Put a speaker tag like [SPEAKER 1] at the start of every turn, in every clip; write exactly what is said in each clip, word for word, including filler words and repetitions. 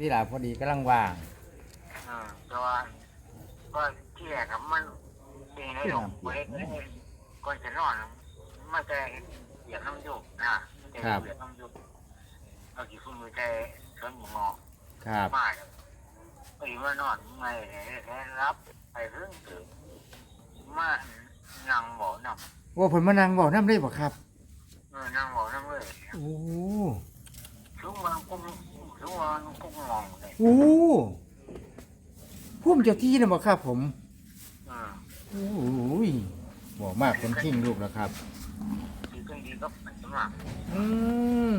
[SPEAKER 1] ที่หลาพอดีกำลังว่าง
[SPEAKER 2] เออแต่ว่าก็ที่แรกอะมันเป็นในหลงเว้ยก่อนจะนอนมันจะเหยียบน้ำยุบนะจะเหยียบน้ำยุบเอากี่คุณมือใจสวนหมูงอ
[SPEAKER 1] ครับ
[SPEAKER 2] มาเลยไปมานอนไงแท้รับไปเรื่องถึงมานั่งบ่อนำ
[SPEAKER 1] โอ้เพิ่นมานั่งเว้านำได้บ่ครับ
[SPEAKER 2] เออนั่งบ่อนำเลย
[SPEAKER 1] โอ้
[SPEAKER 2] ชุกมันกุ้งชุกมันกุ้งมองเลย
[SPEAKER 1] โอ้พุ่มเจ้าที่น่ะบ่ครับผม
[SPEAKER 2] เออ
[SPEAKER 1] โอ้ยบอกมากคนขิงลูกแล้วครับ
[SPEAKER 2] ดีก็ดีก็ไปสมัคร
[SPEAKER 1] อืม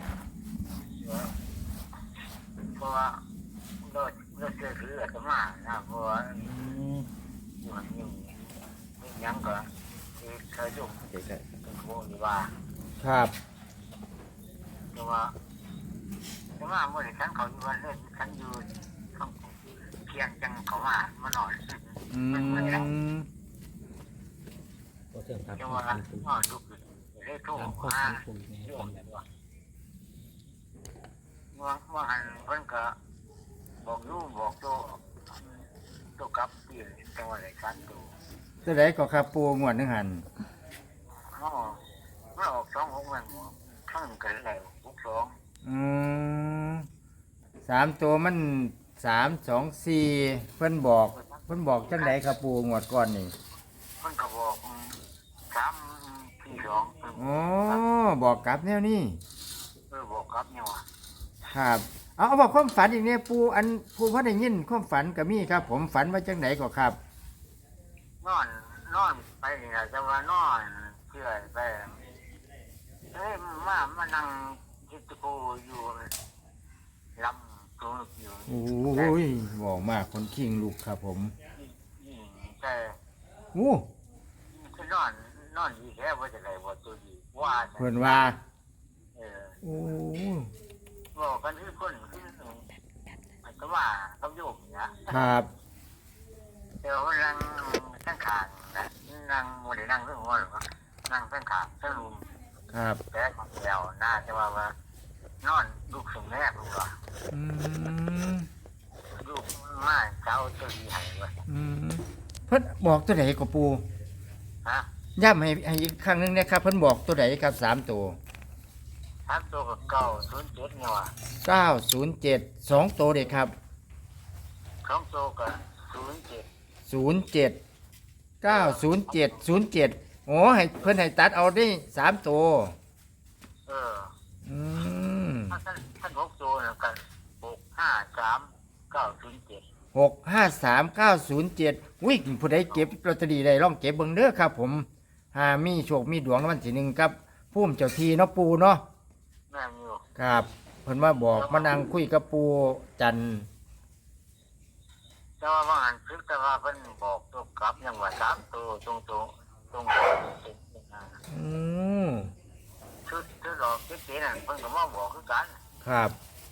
[SPEAKER 2] เพราะว่าเราเราเจอคือสมัครนะเพราะว่าอยู่หันอยู่ยังก็เคยอยู่เป็นโมดีว่า
[SPEAKER 1] ครับ
[SPEAKER 2] แต่ว่าแต่ว่าเมื่อฉันเขาอยู่วันเล่นฉันอยู่ข้างเพียงจังเขามามาหน่อย
[SPEAKER 1] อื
[SPEAKER 2] มันไม่ได้
[SPEAKER 1] ม
[SPEAKER 3] ก็เสื่อมครับ
[SPEAKER 2] จังว่าอ๋อดูเลยโทร
[SPEAKER 3] ตามข้อ
[SPEAKER 2] มา
[SPEAKER 3] มูลใน
[SPEAKER 2] เรื่
[SPEAKER 3] ค
[SPEAKER 2] อ
[SPEAKER 3] วาง ม
[SPEAKER 2] แบบว่าว่าว่าหันเพิ่นก็บอกอยู่บอกโตโตกับปีจังว่าไรกันตัว
[SPEAKER 1] ตัวใดก็ครับปูงวดหนึงหัน
[SPEAKER 2] อ๋อมันออกสองหกแม่นบ่ข้างกันแล้วหกสอง
[SPEAKER 1] อืมสามตัวมันสามสองสี่เพิ่นบอกเพิ่นบอกจังไดครับปูงวดก่อนนี่
[SPEAKER 2] มันก็บอกสามสี่สอง
[SPEAKER 1] อ๋อบอกกลับแนวนี้
[SPEAKER 2] เออบอกครับเนี่ยว่า
[SPEAKER 1] ครับเอาเอาบอกความฝันอีกเนี่ยปูอันปูพระได้ยินความฝันก็มีครับ ผมฝันว่าจังไดก็ครับ
[SPEAKER 2] นอนนอนไปนี่ล่ะจะว่านอนเชื่อไปเอ้ยมามานั่งคิดตะกูอยู่ลำตัวอยู่
[SPEAKER 1] โอ้ยบอกมากคนขิงลูกครับผม
[SPEAKER 2] อืมแต่
[SPEAKER 1] โอ้
[SPEAKER 2] คือนอนนอนดีแค่ว่าจะไรว่าตัวดีว่าแต่
[SPEAKER 1] เพิ่นว่า
[SPEAKER 2] เออ
[SPEAKER 1] โอ้
[SPEAKER 2] บอกกันที่คนที่มันก็ว่าเขาโยกเนี่ย
[SPEAKER 1] ครับ
[SPEAKER 2] เดี๋ยวมันนั่งตั้งขางนะนั่งโมเดลนั่งเรื่องว่าหรือว่านั่งตั้งขางตั้งลุม
[SPEAKER 1] ครับ
[SPEAKER 2] แต่ของเดียวน่าจะว่าว่านอนลูกสมแม่ลูกว่า
[SPEAKER 1] อืม
[SPEAKER 2] ลูกมาเช้าตัวดีหายไป
[SPEAKER 1] อืมเพิ่นบอกตัวไหนก็ปู
[SPEAKER 2] ฮะ
[SPEAKER 1] ย้ำให้ให้อีกครั้งหนึงนะครับ เพิ่นบอกตัวไหนครับสามตัว
[SPEAKER 2] ทับตัวกับเก่าศูนย์เจ็ดเนี่ยว่ะ
[SPEAKER 1] เก้าศูนย์เจ็ดสองตัวเด็กครับ
[SPEAKER 2] สองตัวกับศูนย์เจ็ด
[SPEAKER 1] ศูนย์เจ็ดเก้าศูนย์เจ็ดศูนย์เจ็ดโอ้ให้เพิ่นให้ตัดเอาได้สามตัว
[SPEAKER 2] เออ
[SPEAKER 1] อืม
[SPEAKER 2] ถ้าท่านท่านหกตัวนะกันหกห้าสามเก้าศูนย์เจ็ด
[SPEAKER 1] หกห้าสามเก้าศูนย์เจ็ดวิ่งผู้ใดเก็บลอตเตอรี่ได้ลองเก็บเบิ่งเด้อครับ ผมหามีโชคมีดวงรางวัลที่หนึ่งครับพุ่มเจ้าทีเนาะปูเนาะ
[SPEAKER 2] แม่งอยู่
[SPEAKER 1] ครับเพิ่นว่าบอกมานั่งคุยกับปูจันทร์
[SPEAKER 2] แต่ว่าบางอันซึกแต่ว่าเพิ่นบอกตัวกลับยังว่าสามตัวตรงตรงตรงตรง
[SPEAKER 1] อืม
[SPEAKER 2] ชุดชุดดอกเจ๊ๆนั่นเพิ่นก็มาบอกคือกัน
[SPEAKER 1] ครับ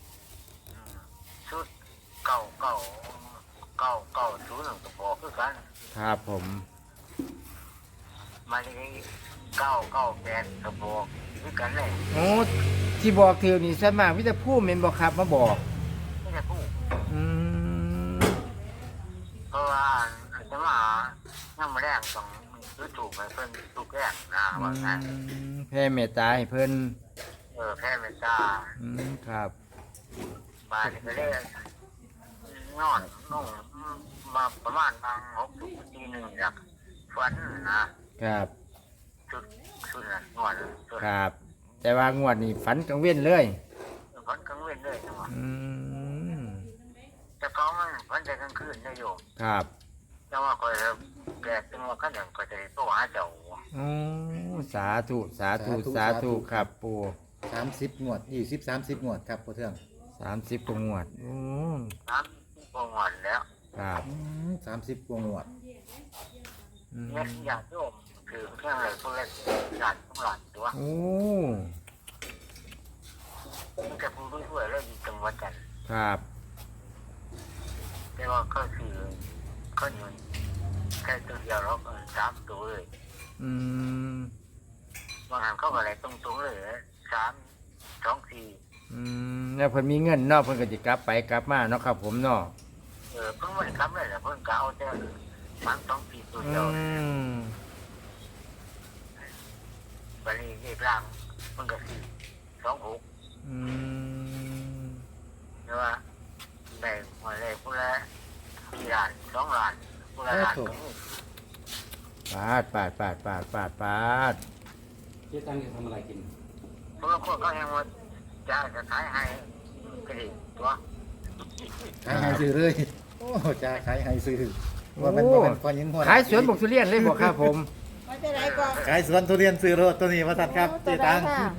[SPEAKER 2] ชุดเก่าเก่าเก่าเก่าศูนย์นั่นก็บอกคือกัน
[SPEAKER 1] ครับผม
[SPEAKER 2] มาที่เก้าเก้าแปดก็บอกคือกันเลย
[SPEAKER 1] โอ้ที่บอกเธอนี่ส่วนมากวิแต่ผู้เมนบอกครับมาบอก
[SPEAKER 2] ไม่ได้พูด
[SPEAKER 1] อืม
[SPEAKER 2] เพราะว่าจะมาน้ำแรงต้องซื้อถูกไปเพิ่นถูกแรงนะว่างั้น
[SPEAKER 1] แพ่เมตตาให้เพิ่น
[SPEAKER 2] เออแพ้เมตตา
[SPEAKER 1] อืมครับ
[SPEAKER 2] บาดก็เลยนอนนอนมาประมาณบางหกทีหนึ่งอยากฝันนะครับ ชุดชุดนั้นนอนชุด
[SPEAKER 1] ครับ แต่ว่างวดนี้ฝันกังเว้นเลย
[SPEAKER 2] ฝันกลางเว้นเลยนะว่า
[SPEAKER 1] อืม
[SPEAKER 2] แต่เขามันฝันแต่กลางคืนได้อยู่
[SPEAKER 1] ครับ
[SPEAKER 2] แต่ว่าคอยแปลกจังว่าขั้นหนึ่งก็จะตัวหาเจ้า
[SPEAKER 1] โอ้สาธุสาธุสาธุครับปู
[SPEAKER 3] สามสิบงวดยี่สิบสามสิบงวดครับพ่อเทือง
[SPEAKER 1] สามสิบกว่างวดโอ้
[SPEAKER 2] น้ำปงวันแล้ว
[SPEAKER 1] ครับ
[SPEAKER 3] สามสิบกว่างวด
[SPEAKER 1] อืม
[SPEAKER 2] เนี่ยอยากโยมคือเครื่องอะไรพวกเล็กหลานของหลานตัว
[SPEAKER 1] โอ้
[SPEAKER 2] มันจะพูดด้วยแล้วอยู่จังหวัดจันทร์
[SPEAKER 1] ครับ
[SPEAKER 2] แต่ว่าก็คือก็อยู่แค่ตัวเดียวแล้วก็สามตัวเลย
[SPEAKER 1] อืม
[SPEAKER 2] บางครั้งเขาอะไรตรงๆเลยสามสองสี่
[SPEAKER 1] อืมแล้วเพิ่นมีเงินเนาะเพิ่นก็สิกลับไปกลับมาเนาะครับผมเนาะ
[SPEAKER 2] เออเพิ่งไม่ได้กลับเลยแหละเพิ่งกะเอาแต่มันต้องปีตัว
[SPEAKER 1] อื
[SPEAKER 2] เดียว
[SPEAKER 1] ม
[SPEAKER 2] บัดนี้เลขล่างมันก็สี่สองหก
[SPEAKER 1] อืม
[SPEAKER 2] ใช่ว่าได้มาเลยผู้ละสี่ล้านสองล้านผู้ละล้านก็มี
[SPEAKER 1] ปาดปาดปาดปาดปาดปาด
[SPEAKER 4] เจ๊ตังจะทำอะไรกิน
[SPEAKER 2] เพราะว่าคนเขายังว่าจะจะขายให้ก็ดีตัว
[SPEAKER 3] ขายให้ซื้อเลยโอ้จะขายให้ซื้อว่ามันว่ามันพอยินพอ
[SPEAKER 1] ขายสวนบกทุเรียนเลยบ่ครับผม
[SPEAKER 5] ไม่เป็นไรก่อน
[SPEAKER 3] ขายสวนทุเรียนซื้อรถตัวนี้มาตัดครับเจตัง
[SPEAKER 5] ค่ะ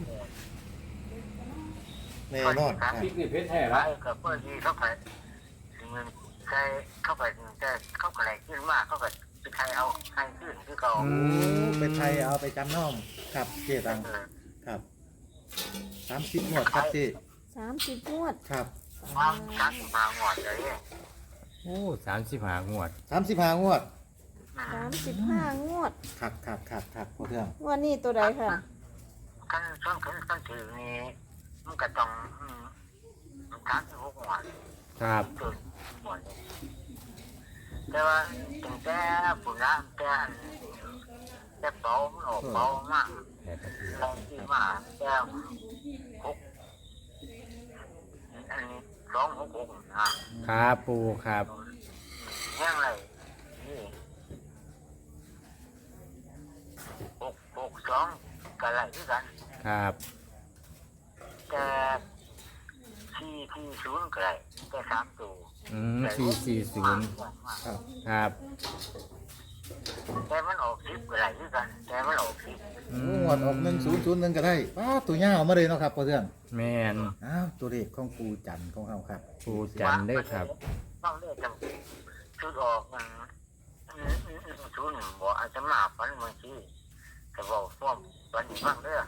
[SPEAKER 3] แน่นอนครับ
[SPEAKER 4] พริกนี่เพชรแท้
[SPEAKER 2] ขา
[SPEAKER 4] ละ
[SPEAKER 2] ยกับเพื่อนที่เขาไปเงินใช้เข้าไปแต่เข้าไปไหนขึ้นมากเข้าไปไปใครเอาใครขึ้นคือเขา
[SPEAKER 1] อื
[SPEAKER 3] โอ้
[SPEAKER 1] ม
[SPEAKER 3] เป็นไทยเอาไปจำน้อมครับเจตัง
[SPEAKER 2] เออ
[SPEAKER 3] ครับสามสิบงวดครับเจ
[SPEAKER 5] สามสิบงวด
[SPEAKER 3] ครับ
[SPEAKER 2] ความชัดมาหมดเลย
[SPEAKER 1] โอ้สามสิบห้างวด
[SPEAKER 3] สามสิบห้างวด
[SPEAKER 5] สามสิบห้างวด
[SPEAKER 3] ครับครับครับครับพอเทื่อง
[SPEAKER 5] งวดนี้ตัวใดค่ะ
[SPEAKER 2] ขั้นต้นขั้นต้นถือนี่มันก็ต้องสามสิบหกหมด
[SPEAKER 1] ครับ
[SPEAKER 2] จุดหมดแต่ว่าถึงแต่ฝุ่นละแต่แต่เบามันออกเบามาก
[SPEAKER 1] แปดนาที
[SPEAKER 2] แรงที่มากแต่หกอันนี้สองหกหกนะครับ
[SPEAKER 1] ปูครับ
[SPEAKER 2] แห้งไรนี่หกหกสองก็ไรด้วยกัน
[SPEAKER 1] ครับ
[SPEAKER 2] แต่ที่ที่ศูนย์ก็ไรแต่สามตัว
[SPEAKER 1] อืมสี่สี่ศูนย์
[SPEAKER 3] ครับ
[SPEAKER 1] ครับ
[SPEAKER 2] แต่มันออกสิบก็ไรด้วยกันแต่มันออกสิบ
[SPEAKER 1] อื
[SPEAKER 3] โอ้
[SPEAKER 1] ม
[SPEAKER 3] งวดออกหนึ่งศูนย์ศูนย์หนึ่งก็ได้ป้าตัวยาวมาเลยเนาะครับพอเทื่อง
[SPEAKER 1] แมน
[SPEAKER 3] อ้าวตัวเลขของปูจันทร์ของเราครับ
[SPEAKER 1] ปูจันทร์เด้อครับ
[SPEAKER 2] ต้องเลือกจำชุดออกมันชุดบอกอาจจะมาปันบางทีแต่บอกพวกวันนี้บ้างเด้อ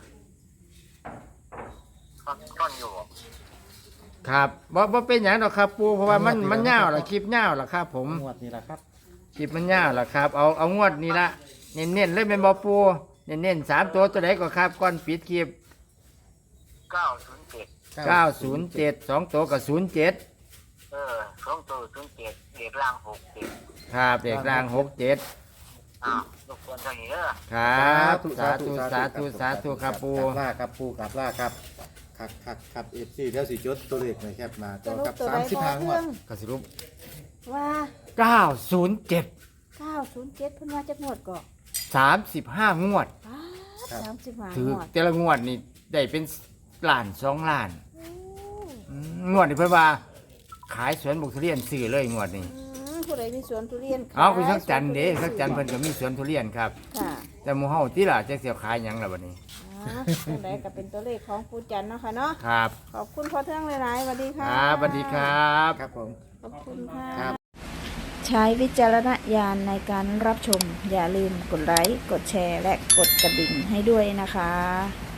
[SPEAKER 2] ต้นอยู่
[SPEAKER 1] ครับบ่บ่เป็นหยังดอกครับ ปูเพราะว่ามันมันยาวล่ะคลิปยาวล่ะครับ ผม
[SPEAKER 3] งวดนี้แหละครับ
[SPEAKER 1] คลิปมันยาวล่ะครับ เอาเอางวดนี้ละเน้นๆเลยเป็นบ่ปูเน้นๆสามตัวตัวไหนก็ครับก่อนปิดคลิป
[SPEAKER 2] เก้าศูนย์เจ็ด
[SPEAKER 1] เก้าศูนย์เจ็ดสองตัวกับศูนย์เจ็ด
[SPEAKER 2] เออสองตัวศูนย์เจ็ดเด็กล่างหกเจ็ด
[SPEAKER 1] ครับเด็กรางหกเจ็ด
[SPEAKER 2] อ้าวทุกคนเท่านี้เด้อ
[SPEAKER 1] ครับสาธุสาธุสาธุครับปู
[SPEAKER 3] กลับล่าครับปูกลับล่าครับครับครับครับเอฟซีเดี๋ยวสิจดตัวเลขหน่อยครับมา
[SPEAKER 5] จะ
[SPEAKER 3] ต่อ
[SPEAKER 5] รู
[SPEAKER 3] กั
[SPEAKER 5] ป
[SPEAKER 3] บ
[SPEAKER 5] ตัว
[SPEAKER 3] สา
[SPEAKER 5] ใด
[SPEAKER 3] มสิบ
[SPEAKER 5] พอ
[SPEAKER 3] ห้าง
[SPEAKER 5] เทื่
[SPEAKER 3] ว
[SPEAKER 5] อ
[SPEAKER 3] ด
[SPEAKER 5] ง
[SPEAKER 1] กสรุป
[SPEAKER 5] ว่า
[SPEAKER 1] เก้าศูนย์เจ็ด
[SPEAKER 5] เก้าศูนย์เจ็ดเพิ่นว่าจะงวดก่อน
[SPEAKER 1] สามสิบห้างวด
[SPEAKER 5] สามสิบห้า
[SPEAKER 1] ถือง
[SPEAKER 5] วด
[SPEAKER 1] แต่ละงวดนี่ได้เป็นล้านสองล้าน
[SPEAKER 5] โอ้
[SPEAKER 1] อืมงวดนี่เพิ่นว่า ขายสวนบุกทุเรียนซื้อเลยงวดนี้
[SPEAKER 5] อืมผู้ใดมีสวนทุเรียน
[SPEAKER 1] เอาคุณสักจันทร์เด้สักจันทร์เพิ่นก็มีสวนทุเรียนครับ
[SPEAKER 5] ค่ะ
[SPEAKER 1] แต่หมู่เฮาที่ล่ะจะเสียขายหยังล่ะบัดนี้
[SPEAKER 5] อ่าตัวใดก็เป็นตัวเลขของปูจันทร์เนาะค่ะเนาะ
[SPEAKER 1] ครับ
[SPEAKER 5] ขอบคุณพ่อเทื่องหลายๆสวัสดี
[SPEAKER 1] ค
[SPEAKER 5] ค่ะ
[SPEAKER 1] รับสวัสดีครับ
[SPEAKER 3] ครับผม
[SPEAKER 5] ขอบคุณค่ะ
[SPEAKER 3] ครับ
[SPEAKER 5] ใช้วิจารณญาณในการรับชม อย่าลืมกดไลค์ กดแชร์ และกดกระดิ่งให้ด้วยนะคะ